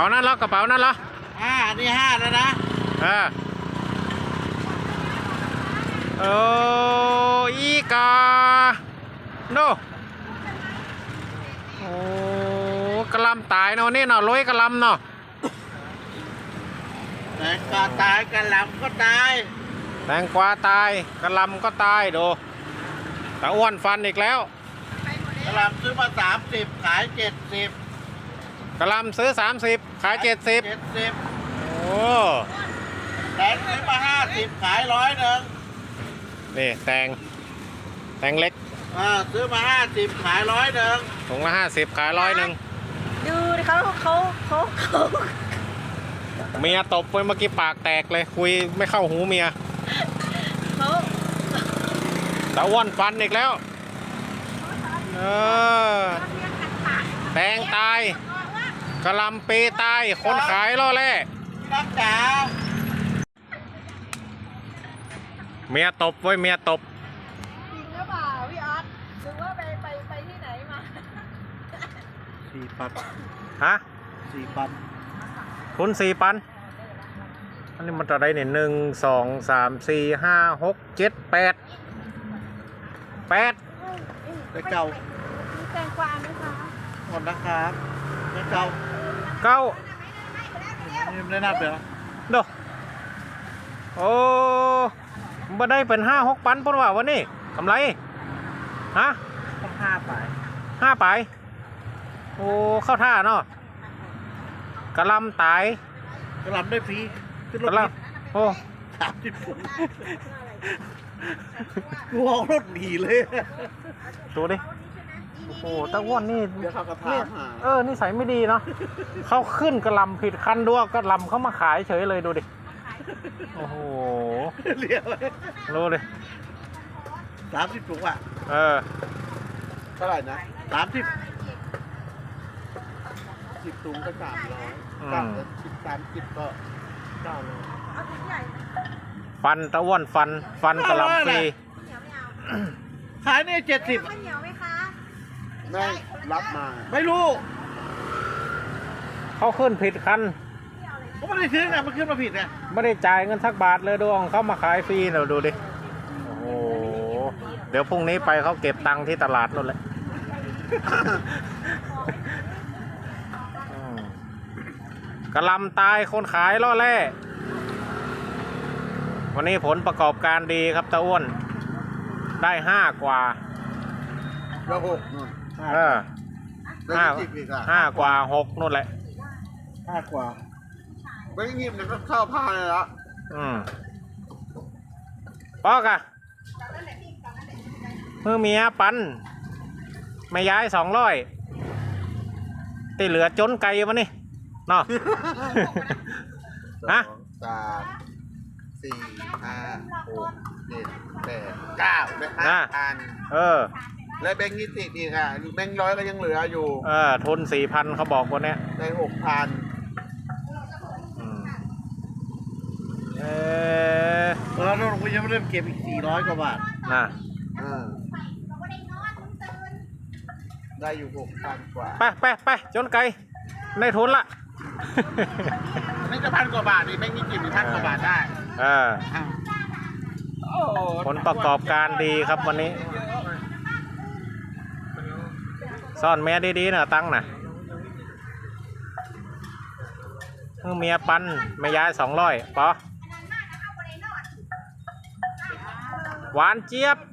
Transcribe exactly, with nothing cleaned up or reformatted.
นั่นเหรอกระเป๋านั่นเหรอห้านี่ห้าแล้วนะเออโอ้อีกาโนโอ้กระลำตายเนาะนี่เนาะลอยกระลำเนาะแตงกวาตายกระหล่ำก็ตายแตงกวาตายกระลำก็ตายดูตาอ้วนฟันอีกแล้วกระหล่ำซื้อมาสามสิบขายเจ็ดสิบกระลำซื้อสามสิบขายเจ็ดสิบเจ็ดสิบโอ้แตงซื้อมาห้าสิบขายร้อยหนึ่งนี่แตงแตงเล็กอ่าซื้อมาห้าสิบขายร้อยหนึ่งถุงละห้าสิบขายร้อยหนึ่งดูเขาเขาเขาเขาเมียตบไปเมื่อกี้ปากแตกเลยคุยไม่เข้าหูเมียเขาตาอ้วนฟันอีกแล้วเออแตงตายกระลำปีตายคนขายล่อแร่รักจ๋าเมียตบไว้เมียตบจริงหรือเปล่าพี่ออสหรือว่าไปไปไปที่ไหนมาสี่ปันฮะสี่ปันทุนสี่ปันอันนี้มันจะได้เนี่ยหนึ่งสองสามสี่ห้าหกเจ็ดแปดแปดได้เก่ามีแตงกวาไหมคะหมดนะครับได้เก่าเก้านี่ไม่ได้นับเหรอดูโอ้มาได้เป็นห้าหกปันปนว่าวันนี้กำไรฮะต้องห้าไปห้าไปโอ้เข้าท่าเนาะกระลำตายกระลำได้ฟรีขึ้นรถโอ้สามสิบถุงกูเอารถหนีเลยดูดิโอ้โหตะอ้วนนี่เออนี่ใส่ไม่ดีเนาะเขาขึ้นกระลำผิดคันด้วยกระลำเขามาขายเฉยเลยดูดิโอ้โหเรียบเลยรู้เลยสามสิบถุงอ่ะเออเท่าไหร่นะสามสิบสิบถุงก็สามร้อยสามสิบสามสิบก็เก้าร้อยฟันตะอ้วนฟันฟันกระลำฟรีขายนี่เจ็ดสิบข้าวเหนียวไหมคะไม่รับมาไม่รู้เขาขึ้นผิดคันเขาไม่ได้ซื้อไงมันขึ้นมาผิดไงไม่ได้จ่ายเงินสักบาทเลยดวงเขามาขายฟรีเราดูดิโอ้โหเดี๋ยวพรุ่งนี้ไปเขาเก็บตังค์ที่ตลาดนู่นแหละกระลำตายคนขายล่อแร่วันนี้ผลประกอบการดีครับตาอ้วนได้ห้ากว่าแล้วหกนู่นเออห้าห้ากว่าหกนู่นแหละห้ากว่าไม่ยิ้มเลยก็เข้าผ้าเลยละอืมปอกอะมือเมียปันไม่ย้ายสองร้อยตีเหลือจนไก่มานี่เนาะฮะสามสี่ห้าหกเจ็ดแปดเก้าได้ห้าพันเออแล้วแบงค์ยี่สิบอีกอ่ะแบงค์ร้อยก็ยังเหลืออยู่เออทุนสี่พันเขาบอกวันนี้ได้หกพันเออแล้วเราก็ยังไม่ได้เก็บอีกสี่ร้อยกว่าบาทนะได้อยู่หกพันกว่าไปไปไปจนไกลในทุนละนี่จะพันกว่าบาทดิไม่มีกี่พันกว่าบาทได้เออผลประกอบการดีครับวันนี้ซ่อนเมียดีๆนะตั้งนะเมียปันไม่ย้ายสองร้อยปอหวานเจี๊ยบ